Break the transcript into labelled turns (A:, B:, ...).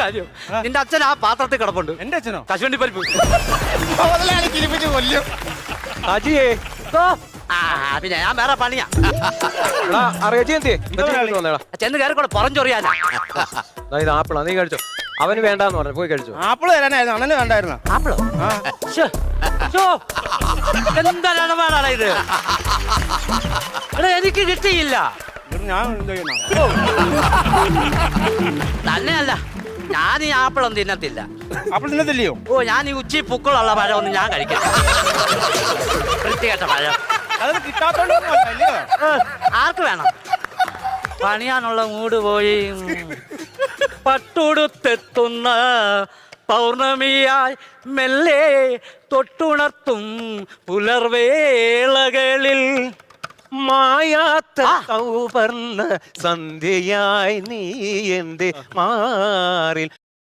A: കാര്യം നിന്റെ അച്ഛൻ ആ പാത്രത്തിൽ കിടപ്പുണ്ട്.
B: എന്റെ അച്ഛനോ?
A: കശുവണ്ടി പരിപ്പ്.
B: മുതലാളി കിരിപ്പിച്ച് കൊല്ലും.
C: അജിയേ
A: ഓ, ആ പിന്നെ ഞാൻ വേറെ പണിയാ.
C: അറിയാ
A: ചെന്ന് കയറിക്കൂടെ പുറഞ്ചൊറിയാനാ.
C: ഇത് ആപ്പിളാ, നീ കഴിച്ചോ. അവന് വേണ്ടാന്ന് പറഞ്ഞു, പോയി കഴിച്ചോ.
B: ആപ്പിള് തരാനായിരുന്നു, അണ്ണന് വേണ്ടായിരുന്നു.
A: ആപ്പിളോ? എന്താ ഇടപാടാണ് ഇത്? എടാ എനിക്ക് കിട്ടിയില്ല.
B: ഞാൻ എന്ത് ചെയ്യണം?
A: തന്നെയല്ല, ഞാൻ ഈ ആപ്പിളൊന്നും തിന്നത്തില്ല.
B: ആപ്പിൾ തിന്നത്തില്ലയോ?
A: ഓ, ഞാൻ ഈ ഉച്ചി പുക്കളുള്ള പഴമൊന്നും ഞാൻ കഴിക്കില്ല. വൃത്തികെട്ട പഴം.
B: അത് കിട്ടാത്തോണ്ടല്ലോ.
A: ആർക്ക് വേണം? പണിയാനുള്ള മൂട് പോയി. പട്ടുടുത്തെത്തുന്ന പൗർണമിയായി മെല്ലെ തൊട്ടുണർത്തും പുലർവേളകളിൽ
C: മായാത്ത സൗവർണ്ണ സന്ധ്യയായി നീ എന്റെ മാറിൽ